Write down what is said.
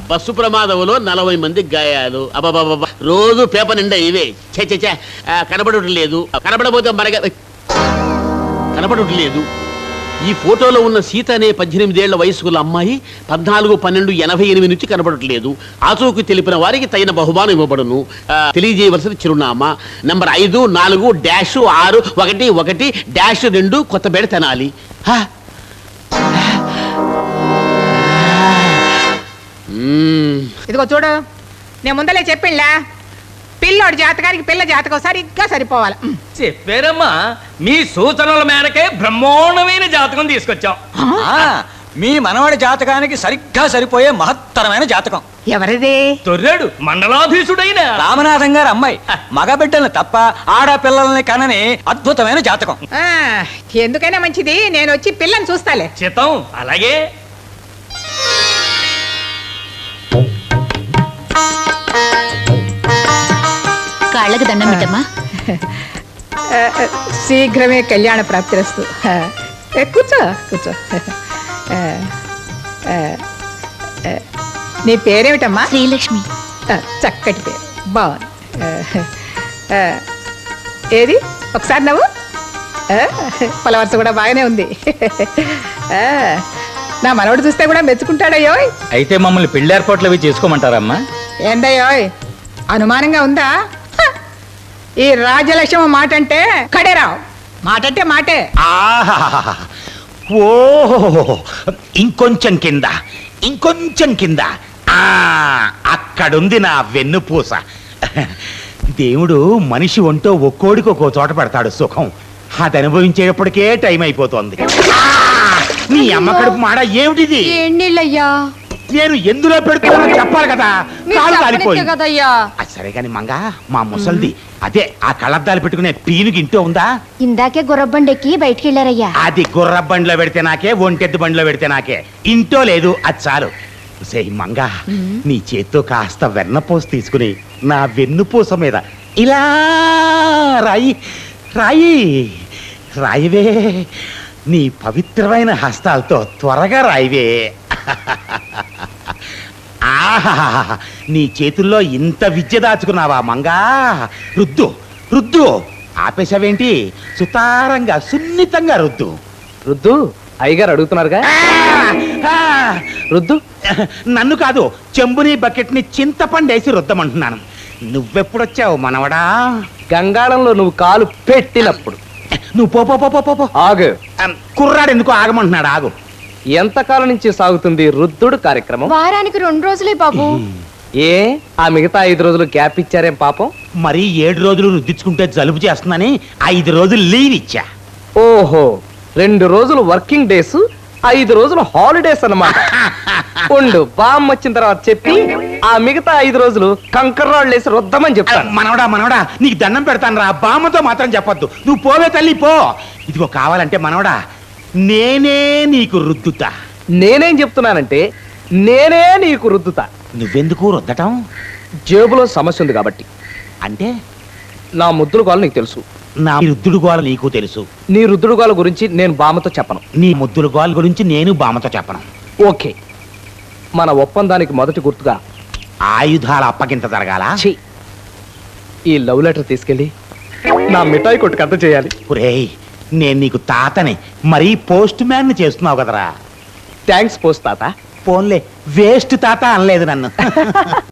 Bus ప్రమాదంలో 40 మందికి గాయాలు. అబాబాబా, రోజు పేపర్ నిండా ఇవే. చే కనబడటం లేదు. కనబడబోతే మనగా కనబడటం లేదు. ఈ ఫోటోలో ఉన్న సీత అనే 18 ఏళ్ల వయసుకున్న అమ్మాయి 14/12/88 నుంచి కనబడట్లేదు. ఆచూకీ తెలిపిన వారికి తగిన బహుమానం ఇవ్వబడును. తెలియజేయవలసిన చిరునామా నంబర్ 54-611-2 కొత్తపేట తెనాలి. ఇదిగో చూడు, నేను ముందలే చెప్పిండ్లా, పిల్లోడి జాతకానికి పిల్ల జాతకం సరిగ్గా సరిపోవాలి. చెప్పారమ్మా, మీ సూచనల మేరకే బ్రహ్మోన్నమైన జాతకం తీసుకొచ్చాం. మీ మనవడి జాతకానికి సరిగ్గా సరిపోయే మహత్తరమైన జాతకం. ఎవరిది? తొర్రాడు మండలాధీశుడైన రామనాథం గారి అమ్మాయి. మగబిడ్డల్ని తప్ప ఆడపిల్లల్ని కనని అద్భుతమైన జాతకం. ఎందుకైనా మంచిది, నేను వచ్చి పిల్లని చూస్తాలే. చిత్తం అలాగే. కాళ్ళకు దండం పెట్టమ్మా. శీఘ్రమే కళ్యాణ ప్రాప్తిరస్తు. కూర్చో కూర్చో. నీ పేరేమిటమ్మా? శ్రీలక్ష్మి. చక్కటి పేరు, బాగుంది. ఏది ఒకసారి నవ్వు. పలవరస కూడా బాగానే ఉంది. నా మనవడు చూస్తే కూడా మెచ్చుకుంటాడయ్యో. అయితే మమ్మల్ని పెళ్లి ఏర్పాట్లు అవి చేసుకోమంటారమ్మా? ఏందయ్యోయ్, అనుమానంగా ఉందా? ఈ రాజలక్ష్మి మాట అంటే కడేరావు, మాట అంటే మాటే. ఓ ఇంకొంచెం కింద, ఇంకొంచెం కింద. అక్కడుంది నా వెన్నుపూస. దేవుడు మనిషి ఒంటో ఒక్కోడికి ఒక్కో చోట పెడతాడు సుఖం. అది అనుభవించేటప్పటికే టైం అయిపోతుంది. నీ అమ్మ కడుపు మాడ ఏమిటిది? నేను ఎందులో పెడుతున్నానో చెప్పాలి కదా. కాలు కాలిపోయింది. సరే కాని మంగా, మా ముసల్ది అదే ఆ కళ్ళద్దాలు పెట్టుకునే పీనుకి ఇంటో ఉందా? ఇందాకే గుర్రబండెక్కి బయటికి వెళ్ళారయ్యా. అది గుర్ర బండిలో పెడితే నాకే, ఒంటెద్దు బండిలో పెడితే నాకే. ఇంటో లేదు, అది చాలు. సే మంగా, నీ చేత్తో కాస్త వెన్నపూస తీసుకుని నా వెన్నుపూస మీద ఇలా రాయి రాయి రాయివే. నీ పవిత్రమైన హస్తాలతో త్వరగా రాయివే. ఆహా, నీ చేతుల్లో ఇంత విద్య దాచుకున్నావా మంగా? రుద్దు రుద్దు. ఆపేశావేంటి? సుతారంగా సున్నితంగా రుద్దు. రుద్దు. అయ్యగారు అడుగుతున్నారుగా, రుద్దు. నన్ను కాదు, చెంబుని బకెట్ని చింతపండేసి రుద్దమంటున్నాను. నువ్వెప్పుడొచ్చావు మనవడా? గంగాళంలో నువ్వు కాలు పెట్టినప్పుడు. నువ్వు పో పో పో పో పో. ఆగు. కుర్రాడు ఎందుకు ఆగమంటున్నాడు? ఆగు. ఎంతకాలం నుంచి సాగుతుంది రుద్దుడు కార్యక్రమం? వారానికి 2 రోజులే బాబు. ఏ ఆ మిగతా 5 రోజులు గ్యాప్ ఇచ్చారేం పాపం? మరి 7 రోజులు రుద్దించుకుంటే జలుబు చేస్తుందని 5 రోజులు లీవ్ ఇచ్చా. ఓహో, 2 రోజులు వర్కింగ్ డేస్, 5 రోజులు హాలిడేస్ అన్నమాట. ఉండు, బామ్ వచ్చిన తర్వాత చెప్పి ఆ మిగతా 5 రోజులు కంకర్రాళ్ళు వేసి రుద్దమని చెప్తాను. మనవడా మనవడా, నీకు దండం పెడతాను రా. బామ్మతో మాత్రం చెప్పొద్దు. నువ్వు పోవే తల్లి, పో. ఇదిగో కావాలంటే మనవడా, నేనే నీకు రుద్దుతా. నేనేం చెప్తున్నానంటే, నేనే నీకు రుద్దుతా. నువ్వెందుకు రుద్దటం? జేబులో సమస్య ఉంది కాబట్టి. అంటే నా ముద్దుల గోల నీకు తెలుసు, నా రుద్దుడు గోల నీకు తెలుసు. నీ రుద్దుడు గోల గురించి నేను బామ్మతో చెప్పను. నీ ముద్దుల గోల గురించి నేను బామ్మతో చెప్పను. ఓకే, మన ఒప్పందానికి మొదటి గుర్తుగా ఆయుధాల అప్పగింత జరగాల. ఈ లవ్ లెటర్ తీసుకెళ్ళి నా మిఠాయి కొట్టుకు అంత చేయాలి. ఒరేయ్, నేను నీకు తాతని, మరీ పోస్ట్ మ్యాన్ చేస్తున్నావు కదరా. థ్యాంక్స్ పోస్ట్ తాత. పోన్లే, వేస్ట్ తాత అనలేదు నన్ను.